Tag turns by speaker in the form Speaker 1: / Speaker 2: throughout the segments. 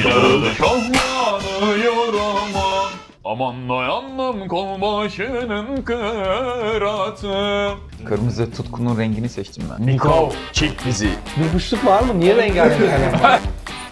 Speaker 1: Yağlı şahlanıyor aman. Aman dayandım kol başının kıratı. Kırmızı tutkunun rengini seçtim ben. Nikol, çek bizi.
Speaker 2: Bir boşluk var mı? Niye rengarenk kalem var?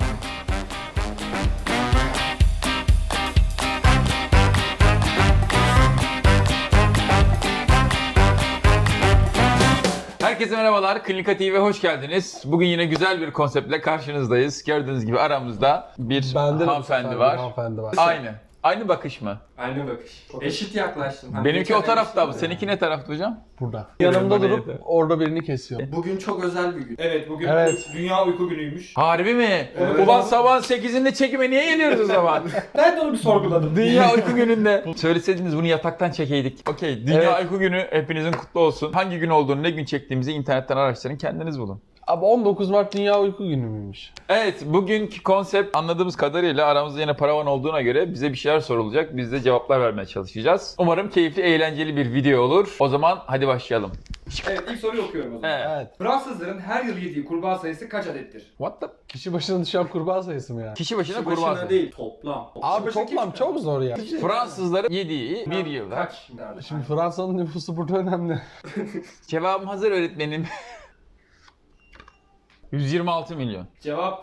Speaker 1: Herkese merhabalar, Klinika TV'ye hoş geldiniz. Bugün yine güzel bir konseptle karşınızdayız. Gördüğünüz gibi aramızda bir
Speaker 2: Bende de bu sefer
Speaker 1: hanımefendi
Speaker 2: bir
Speaker 1: var.
Speaker 2: hanımefendi var.
Speaker 1: Aynı. Aynı bakış mı?
Speaker 3: Aynı bakış. Eşit yaklaştım. Hani
Speaker 1: Benimki
Speaker 3: geçen
Speaker 1: o tarafta
Speaker 3: demiştim
Speaker 1: abi.
Speaker 3: ya.
Speaker 1: Seninki ne tarafta hocam?
Speaker 2: Burada. Yanımda
Speaker 1: bana
Speaker 2: durup
Speaker 1: yeter.
Speaker 2: orada birini kesiyor.
Speaker 3: Bugün çok özel bir gün.
Speaker 4: Evet bugün
Speaker 2: Evet.
Speaker 4: Dünya Uyku Günü'ymüş.
Speaker 1: Harbi mi?
Speaker 4: Evet.
Speaker 1: Ulan sabahın 8'inde çekime niye geliyoruz o zaman?
Speaker 4: Ben de onu bir sorguladım.
Speaker 1: Dünya Uyku Günü'nde. Söyleseydiniz bunu yataktan çekeydik. Okey. Dünya
Speaker 2: Evet.
Speaker 1: Uyku Günü hepinizin kutlu olsun. Hangi gün olduğunu, ne gün çektiğimizi internetten araştırın. Kendiniz bulun.
Speaker 2: Abi 19 Mart Dünya Uyku Günü müymüş?
Speaker 1: Evet, bugünkü konsept anladığımız kadarıyla aramızda yine paravan olduğuna göre bize bir şeyler sorulacak. Biz de cevaplar vermeye çalışacağız. Umarım keyifli, eğlenceli bir video olur. O zaman hadi başlayalım.
Speaker 4: Evet ilk soruyu okuyorum o zaman.
Speaker 1: Evet.
Speaker 2: Evet.
Speaker 4: Fransızların her yıl yediği kurbağa sayısı kaç adettir?
Speaker 1: What the?
Speaker 2: Kişi başına düşen kurbağa sayısı mı ya?
Speaker 1: Kişi başına
Speaker 3: Kişi
Speaker 1: kurbağa.
Speaker 3: başına değil, toplam.
Speaker 2: Abi
Speaker 4: başına
Speaker 2: toplam
Speaker 4: kim
Speaker 2: çok zor ya.
Speaker 1: Fransızların yediği bir yılda.
Speaker 4: Kaç? Nerede?
Speaker 2: Şimdi Fransa'nın nüfusu burada önemli.
Speaker 1: Cevabım hazır öğretmenim. 126 milyon.
Speaker 4: Cevap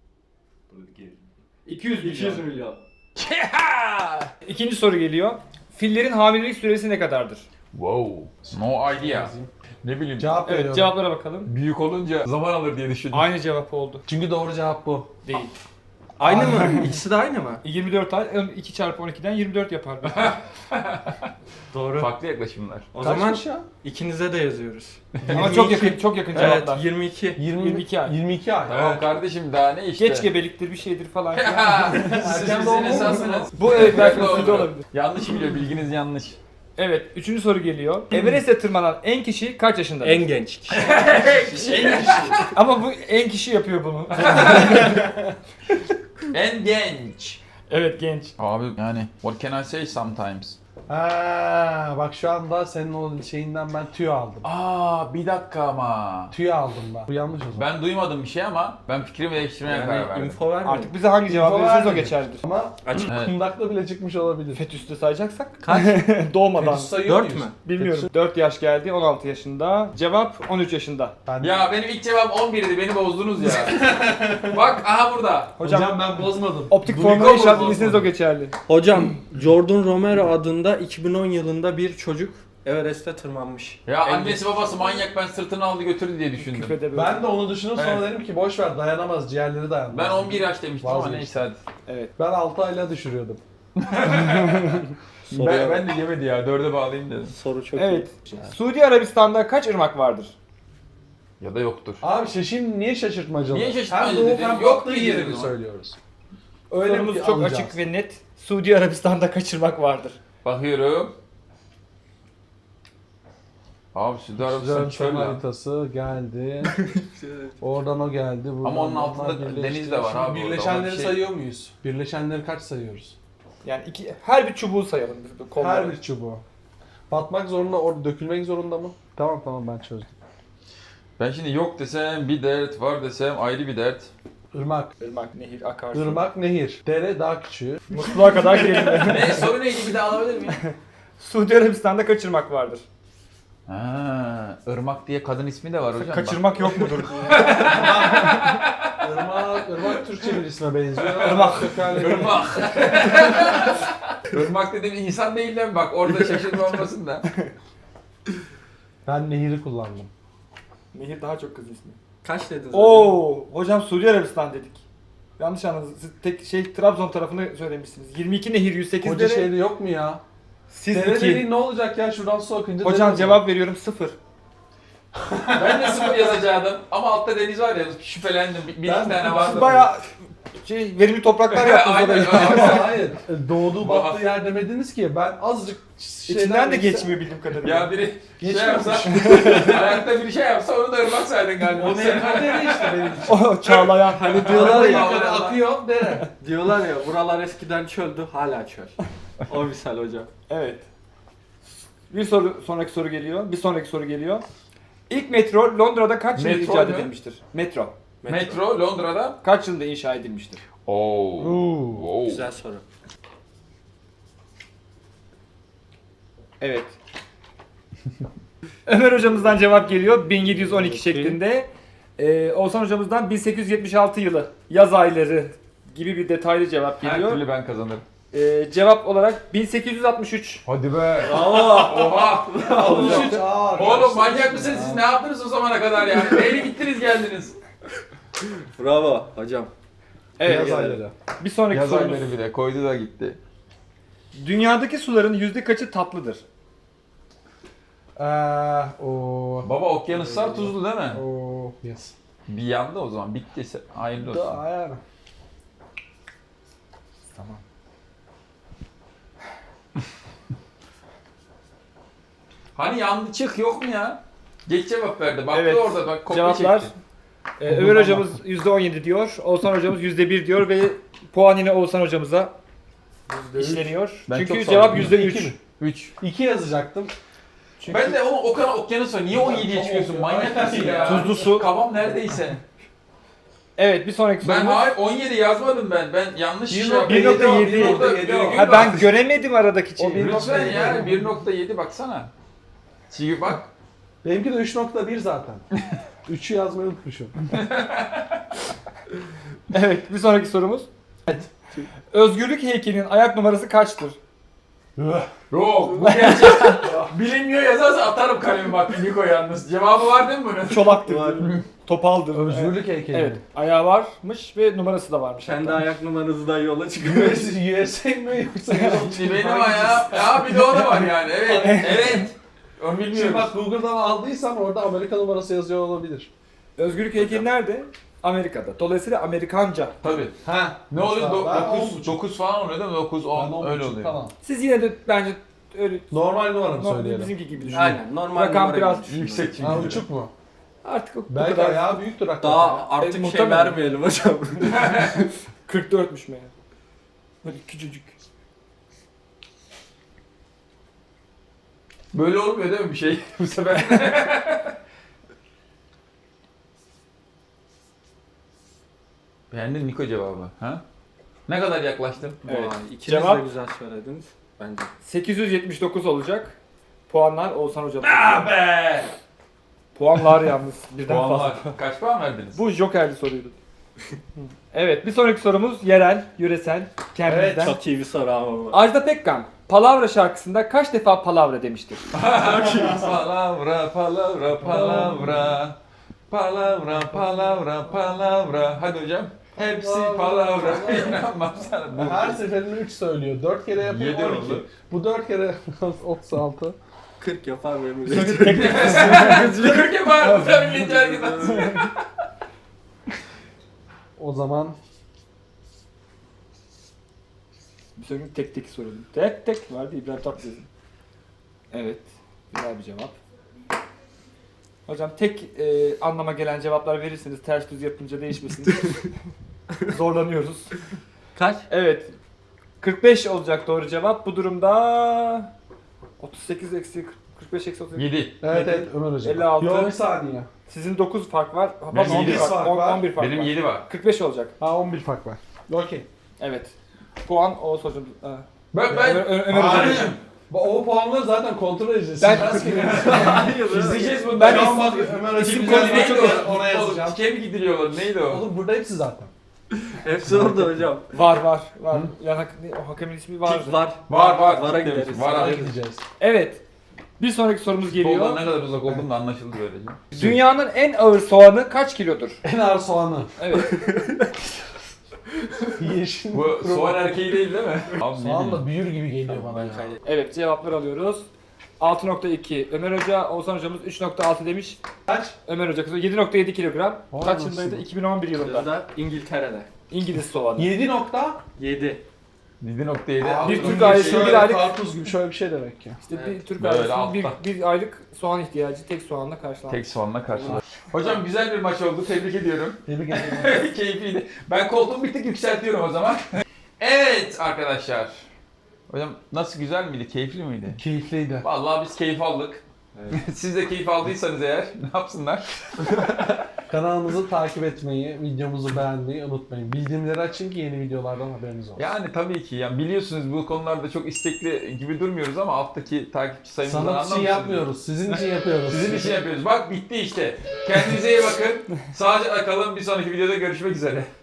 Speaker 4: 200 milyon.
Speaker 3: 200 milyon.
Speaker 4: İkinci soru geliyor. Fillerin hamilelik süresi ne kadardır?
Speaker 1: Wow. No idea. Ne bileyim.
Speaker 2: Cevap
Speaker 4: Evet
Speaker 2: veriyorum.
Speaker 4: cevaplara bakalım.
Speaker 1: Büyük olunca zaman alır diye düşündüm.
Speaker 4: Aynı cevap oldu.
Speaker 2: Çünkü doğru cevap bu.
Speaker 4: Değil.
Speaker 3: Aynı mı? İkisi de aynı mı?
Speaker 4: 24 ay 2 çarpı 12'den 24 yapar.
Speaker 3: Doğru.
Speaker 1: Farklı yaklaşımlar.
Speaker 3: O zaman
Speaker 2: Kaçmış ya?
Speaker 3: ikinize de yazıyoruz.
Speaker 4: Ama çok yakın
Speaker 3: Evet,
Speaker 4: cevaplar.
Speaker 3: 22.
Speaker 4: 22 ay.
Speaker 2: 22 ay.
Speaker 1: Tamam kardeşim daha ne işte.
Speaker 4: Geç gebeliktir bir şeydir falan.
Speaker 1: Siz
Speaker 2: Erken
Speaker 1: bizim
Speaker 2: doğum
Speaker 1: esasınız.
Speaker 4: Bu evet belki
Speaker 1: Doğru.
Speaker 4: üzücü olabilir.
Speaker 1: Yanlış biliyor, bilginiz yanlış.
Speaker 4: Evet, üçüncü soru geliyor. Everest'e tırmanan en kişi kaç yaşındadır?
Speaker 3: En genç kişi.
Speaker 4: Ama bu en kişi yapıyor bunu.
Speaker 1: En genç.
Speaker 4: Evet, genç.
Speaker 1: Abi yani what can I say sometimes?
Speaker 2: Ha, bak şu anda senin o şeyinden ben tüy aldım.
Speaker 1: Aa bir dakika ama.
Speaker 2: Tüy aldım ben. Bu yanlış o zaman.
Speaker 1: Ben duymadım bir şey ama ben fikrimi değiştirmeye karar
Speaker 3: Yani
Speaker 1: verdim.
Speaker 3: info vermiyor.
Speaker 4: Artık bize hangi cevap
Speaker 2: İnfo
Speaker 4: verirseniz o
Speaker 2: vermedi.
Speaker 4: geçerlidir.
Speaker 2: Ama
Speaker 3: Açık.
Speaker 1: Evet.
Speaker 2: kundakla bile çıkmış olabilir.
Speaker 4: Fetüs'te sayacaksak
Speaker 3: Kaç?
Speaker 4: doğmadan.
Speaker 2: Fetüs sayıyor
Speaker 3: 4
Speaker 2: muyuz?
Speaker 3: mü?
Speaker 4: Bilmiyorum. 4 yaş geldi, 16 yaşında. Cevap 13 yaşında.
Speaker 2: Ben
Speaker 1: Ya benim ilk cevabım 11'di, beni bozdunuz ya. Bak aha burada.
Speaker 4: Hocam,
Speaker 2: ben bozmadım.
Speaker 4: optik
Speaker 1: Duliko
Speaker 4: formülü inşaat
Speaker 1: bozmadı.
Speaker 4: bilirseniz o geçerli.
Speaker 3: Hocam, Jordan Romero adında 2010 yılında bir çocuk Everest'e tırmanmış.
Speaker 1: Ya
Speaker 3: En
Speaker 1: annesi babası manyak, ben sırtını aldı götürdü diye düşündüm.
Speaker 4: Küfede böyle.
Speaker 2: Ben de onu düşündüm sonra
Speaker 1: Evet.
Speaker 2: dedim ki boş ver dayanamaz ciğerleri dayanmaz.
Speaker 1: Ben 11 yaş demiştim ama
Speaker 2: Vazgeçtim.
Speaker 1: neyse hadi.
Speaker 4: Evet.
Speaker 2: Ben 6 ayla düşürüyordum.
Speaker 1: Ben de yemedi ya, 4'e bağlayayım dedim.
Speaker 3: Soru çok
Speaker 4: Evet. Suudi Arabistan'da kaç ırmak vardır?
Speaker 1: Ya da yoktur.
Speaker 2: Abi şimdi niye şaşırtmacalı?
Speaker 1: Niye şaşırtmacalı
Speaker 2: Hem doğu
Speaker 1: dedin?
Speaker 2: hem
Speaker 1: Yok
Speaker 2: batı
Speaker 1: dedin
Speaker 2: yerini
Speaker 1: o zaman.
Speaker 2: söylüyoruz. Öyle
Speaker 4: Sorumuz
Speaker 2: bir
Speaker 4: çok
Speaker 2: alacağız.
Speaker 4: açık ve net. Suudi Arabistan'da kaç ırmak vardır?
Speaker 1: Bakıyorum. Abi Suudi Arabistan
Speaker 2: Güzel
Speaker 1: çöl lan.
Speaker 2: haritası geldi. Oradan o geldi. Buradan
Speaker 1: Ama onun
Speaker 2: onlar
Speaker 1: altında
Speaker 2: birleşti.
Speaker 1: deniz de var
Speaker 2: Şimdi
Speaker 1: abi orada,
Speaker 2: Birleşenleri
Speaker 1: ona bir şey-
Speaker 2: sayıyor muyuz? Birleşenleri kaç sayıyoruz?
Speaker 4: Yani her bir çubuğu sayalım. Biz kolları.
Speaker 2: Her bir çubuğu. Batmak zorunda, orada dökülmek zorunda mı? Tamam ben çözdüm.
Speaker 1: Ben şimdi yok desem bir dert, var desem ayrı bir dert.
Speaker 2: Irmak.
Speaker 4: Irmak, nehir, akarsu.
Speaker 2: Irmak, nehir. Dere daha küçüğü.
Speaker 4: Musluğa kadar gelin.
Speaker 1: Ne soru neydi, bir daha alabilir miyim?
Speaker 4: Suudi Arabistan'da kaç ırmak vardır?
Speaker 1: Ha, Irmak diye kadın ismi de var hocam.
Speaker 4: Kaçırmak yok mudur?
Speaker 2: Irmak Türkçe bir isme benziyor.
Speaker 4: Irmak.
Speaker 1: Bak. Irmak. Irmak dediğim insan değil lan bak, orada şaşırma olmasın da.
Speaker 2: Ben nehiri kullandım.
Speaker 4: Nehir daha çok kız ismi.
Speaker 3: Kaç dedin?
Speaker 4: Oo, hocam Suudi Arabistan dedik. Yanlış anladınız. Siz tek Trabzon tarafını söylemişsiniz. 22 nehir, 108
Speaker 2: Koca
Speaker 4: dere.
Speaker 2: şehri yok mu ya?
Speaker 4: Siz
Speaker 2: Dere
Speaker 4: 2.
Speaker 2: dediğin ne olacak ya şuradan su akınca?
Speaker 4: Hocam
Speaker 2: dere
Speaker 4: cevap veriyorum 0.
Speaker 1: Ben de sıfır yazacaktım ama altta deniz var ya, şüphelendim. Bir iki tane vardı.
Speaker 4: Siz bayağı verimli topraklar yaptınız
Speaker 1: Aynen,
Speaker 4: oraya.
Speaker 1: aynen.
Speaker 2: Ama hayır. Doğduğu battığı yer demediniz ki. Ben azıcık
Speaker 4: İçinden de
Speaker 2: geçse-
Speaker 4: geçmiyor bildiğim kadarıyla.
Speaker 1: Ya biri şey
Speaker 2: Geçmemiş.
Speaker 1: yapsa, ayakta biri şey yapsa onu da ırmak saydın galiba.
Speaker 2: O dere işte benim için.
Speaker 4: O çağlayan.
Speaker 3: Hani diyorlar ya,
Speaker 2: Yukarı akıyor dere.
Speaker 3: diyorlar ya buralar eskiden çöldü, hala çöl. O misal hocam.
Speaker 4: Evet. Sonraki soru geliyor. Bir sonraki soru geliyor. İlk metro Londra'da kaç yılında
Speaker 1: Metro
Speaker 4: icat
Speaker 1: mu?
Speaker 4: edilmiştir? Metro.
Speaker 1: Metro Londra'da
Speaker 4: Kaç yılında inşa edilmiştir?
Speaker 1: Oo.
Speaker 3: Güzel soru.
Speaker 4: Evet. Ömer hocamızdan cevap geliyor 1712 şeklinde. Oğuzhan hocamızdan 1876 yılı yaz ayları gibi bir detaylı cevap
Speaker 1: Her
Speaker 4: geliyor.
Speaker 1: türlü ben kazanırım.
Speaker 4: Cevap olarak 1863.
Speaker 1: Hadi be.
Speaker 3: Bravo.
Speaker 1: Oha.
Speaker 2: Olacaktı.
Speaker 1: Oğlum manyak mısınız siz? Ne yaptınız o zamana kadar ya? Neyle gittiniz geldiniz?
Speaker 3: Bravo hocam.
Speaker 4: Evet.
Speaker 2: Yaz ayları.
Speaker 4: Bir sonraki
Speaker 1: Yaz
Speaker 4: sorumuz.
Speaker 1: ayları bile koydu da gitti.
Speaker 4: Dünyadaki suların yüzde kaçı tatlıdır?
Speaker 2: O.
Speaker 1: Baba okyanuslar tuzlu değil mi?
Speaker 2: O. Yes.
Speaker 1: Bir yandı o zaman. Bitti. Hayırlı olsun.
Speaker 2: Da yani.
Speaker 4: Tamam.
Speaker 1: Hani yandı çık yok mu ya? Geç cevap verdi. Baktı
Speaker 4: Evet.
Speaker 1: orada bak kopya
Speaker 4: Cevaplar
Speaker 1: çekti.
Speaker 4: Ömer hocamız %17 diyor. Oğuzhan hocamız %1 diyor ve puan yine Oğuzhan hocamıza işleniyor.
Speaker 1: Ben
Speaker 4: Çünkü
Speaker 1: çok
Speaker 4: cevap
Speaker 1: salladım.
Speaker 4: %3.
Speaker 2: 2 mi?
Speaker 1: 3.
Speaker 2: 2 yazacaktım.
Speaker 4: Çünkü
Speaker 1: Ben de o kadar okyanus var. Niye 17'ye çıkıyorsun? Manyak mısın ya?
Speaker 4: Tuzlu su.
Speaker 1: Kafam neredeyse.
Speaker 4: Evet bir sonraki
Speaker 1: Ben
Speaker 4: sorumuz.
Speaker 1: hayır 17 yazmadım ben. Ben yanlış şey
Speaker 4: 1.7.
Speaker 1: yaptım.
Speaker 4: Ha, ben göremedim aradaki
Speaker 2: O
Speaker 4: şeyi.
Speaker 2: bir-
Speaker 1: Lütfen ya 1.7 baksana. Çünkü bak.
Speaker 2: Benimki de 3.1 zaten. 3'ü yazmayı unutmuşum.
Speaker 4: Evet bir sonraki sorumuz. Özgürlük heykelinin ayak numarası kaçtır?
Speaker 1: Yok bu gerçek. Bilinmiyor yazarsa atarım kalemi bak Niko yalnız. Cevabı var değil mi bunun?
Speaker 4: Çolaktır. Topaldır.
Speaker 2: Özgürlük heykeli.
Speaker 4: Evet. Ayağı varmış ve numarası da varmış.
Speaker 3: Kendi
Speaker 4: hatta.
Speaker 3: ayak numaranızdan yola çıkıyor.
Speaker 2: USA mi yoksa
Speaker 1: Şimdi benim ayağım. Ya bir de o da var yani. Evet. Evet. Onu
Speaker 2: Şimdi
Speaker 1: bilmiyorum.
Speaker 2: bak Google'dan aldıysan orada Amerika numarası yazıyor olabilir.
Speaker 4: Özgürlük heykeli nerede? Amerika'da. Dolayısıyla Amerikanca.
Speaker 1: Tabii.
Speaker 2: Ha.
Speaker 1: Ne oluyor?
Speaker 2: Ben
Speaker 1: 9 falan oluyor değil mi? 9
Speaker 2: Ben
Speaker 1: 10 öyle
Speaker 2: 10.5
Speaker 1: oluyor.
Speaker 2: Tamam.
Speaker 4: Siz yine de bence öyle
Speaker 2: Normal numaramı
Speaker 4: normal
Speaker 2: söyleyelim.
Speaker 4: bizimki gibi düşünün.
Speaker 3: Aynen normal
Speaker 4: Rakam
Speaker 3: numara
Speaker 4: biraz
Speaker 3: gibi düşünün.
Speaker 1: Yüksek çünkü.
Speaker 2: Ha uçuk mu?
Speaker 4: Artık bu
Speaker 2: Belki
Speaker 4: kadar.
Speaker 2: ayağı büyüktür hakikaten.
Speaker 3: Daha artık şey
Speaker 4: muhtemelen.
Speaker 3: vermeyelim hocam.
Speaker 4: 44'müş meğer. Böyle küçücük.
Speaker 1: Böyle olmuyor değil mi bir şey bu sefer? Beğendin Niko cevabı. Ha? Ne kadar yaklaştım?
Speaker 4: Evet.
Speaker 3: Vay, ikiniz
Speaker 4: Cevap-
Speaker 3: de güzel söylediniz. Bence.
Speaker 4: 879 olacak. Puanlar Oğuzhan hocam.
Speaker 1: Ah be!
Speaker 4: Puanlar yalnız birden
Speaker 1: Puanlar.
Speaker 4: fazla.
Speaker 1: Kaç puan verdiniz?
Speaker 4: Bu jokerli soruydu. Evet bir sonraki sorumuz yerel, yöresel, kendimizden.
Speaker 3: Çok iyi bir soru ama bu.
Speaker 4: Ajda Pekkan Palavra şarkısında kaç defa palavra demiştir?
Speaker 1: Palavra, palavra, palavra. Palavra, palavra, palavra. Hadi hocam. Hepsi palavra. İnanmam sana. Bu.
Speaker 2: Her seferinde 3 söylüyor. 4 kere yapıyor
Speaker 1: 7
Speaker 2: 12.
Speaker 1: oldu.
Speaker 2: Bu 4 kere 36.
Speaker 3: 40 yapar benim.
Speaker 1: Kırk yapar. Bu tabii yeter gitmez.
Speaker 2: O zaman
Speaker 4: Bir sonraki tek tek soralım. Tek tek vardı İbrahim Tatlıses. Evet. Güzel bir cevap. Hocam tek anlama gelen cevaplar verirseniz ters düz yapınca değişmesin. Zorlanıyoruz.
Speaker 3: Kaç?
Speaker 4: Evet. 45 olacak doğru cevap. Bu durumda 38 eksi 45 eksi 38.
Speaker 1: 7.
Speaker 2: evet evet Ömer hocam.
Speaker 4: 56.
Speaker 2: Yo bir saniye.
Speaker 4: Sizin 9 fark var.
Speaker 1: Benim
Speaker 4: 11
Speaker 1: 7
Speaker 4: fark,
Speaker 2: fark var.
Speaker 4: 11 fark
Speaker 1: Benim
Speaker 4: var.
Speaker 1: 7 var.
Speaker 4: 45 olacak.
Speaker 2: Ha 11 fark var. Okey.
Speaker 4: Evet. Puan o hocam.
Speaker 1: Ben
Speaker 4: Ömer hocam.
Speaker 2: O puanları zaten kontrol edeceğiz.
Speaker 4: Ben-
Speaker 1: İzleyeceğiz bunu.
Speaker 4: Ben
Speaker 1: Tamam,
Speaker 4: is-
Speaker 1: bak,
Speaker 2: Ömer
Speaker 4: isim
Speaker 2: hocam
Speaker 4: konusunda
Speaker 1: Neydi
Speaker 4: çok-
Speaker 1: o?
Speaker 2: ona yazacağım.
Speaker 1: Dike mi gidiliyorlar? Neydi o?
Speaker 2: Oğlum burada hepsi zaten.
Speaker 3: Hepsi orada hocam.
Speaker 4: Var. Yani o hakemin ismi var.
Speaker 3: Tik var.
Speaker 1: Var.
Speaker 3: Vara
Speaker 1: Tik demiş.
Speaker 3: gideriz.
Speaker 1: Var
Speaker 2: Oraya
Speaker 1: abi.
Speaker 2: gideceğiz.
Speaker 4: Evet. Bir sonraki sorumuz
Speaker 1: Soldan
Speaker 4: geliyor.
Speaker 1: ne kadar uzak olduğum da anlaşıldı böylece.
Speaker 4: Dünyanın en ağır soğanı kaç kilodur?
Speaker 2: En ağır soğanı.
Speaker 4: Evet.
Speaker 2: Yeşil.
Speaker 1: Bu soğan erkeği değil mi? Abi ne
Speaker 2: Soğan
Speaker 1: bileyim.
Speaker 2: da büyür gibi geliyor bana ya.
Speaker 4: Evet cevaplar alıyoruz. 6.2 Ömer Hoca, Oğuzhan hocamız 3.6 demiş.
Speaker 2: Kaç?
Speaker 4: Ömer Hoca 7.7 kilogram.
Speaker 2: Vay
Speaker 4: Kaç
Speaker 2: anasını.
Speaker 4: yılındaydı? 2011 yılında.
Speaker 3: Burada İngiltere'de.
Speaker 4: İngiliz soğanı.
Speaker 2: 7 nokta.
Speaker 3: 7.
Speaker 1: 7.7.
Speaker 4: Bir Türk
Speaker 1: Şey-
Speaker 4: ailesi bir aylık
Speaker 2: Karpuz gibi şöyle bir şey demek ki.
Speaker 4: işte
Speaker 3: Evet.
Speaker 4: bir Türk
Speaker 1: Böyle
Speaker 4: ailesinin bir,
Speaker 1: altta.
Speaker 4: bir aylık soğan ihtiyacı tek soğanla karşılanmış.
Speaker 1: Tek soğanla karşıladı. Hocam güzel bir maç oldu. Tebrik ediyorum.
Speaker 2: Tebrik ederim.
Speaker 1: Keyifliydi. Ben koltuğumu bir tık yükseltiyorum o zaman. Evet arkadaşlar. Hocam nasıl güzel miydi? Keyifli miydi?
Speaker 2: Keyifliydi.
Speaker 1: Vallahi biz keyif aldık. Siz de keyif aldıysanız eğer ne yapsınlar?
Speaker 2: Kanalımızı takip etmeyi, videomuzu beğenmeyi unutmayın. Bildirimleri açın ki yeni videolardan haberiniz olsun.
Speaker 1: Yani tabii ki. Yani biliyorsunuz bu konularda çok istekli gibi durmuyoruz ama alttaki takipçi sayımızdan
Speaker 2: Sanat için
Speaker 1: anlamışsınız.
Speaker 2: yapmıyoruz, sizin için yapıyoruz.
Speaker 1: Sizin için yapıyoruz. Bak bitti işte. Kendinize iyi bakın. Sağlıcakla kalın. Bir sonraki videoda görüşmek üzere.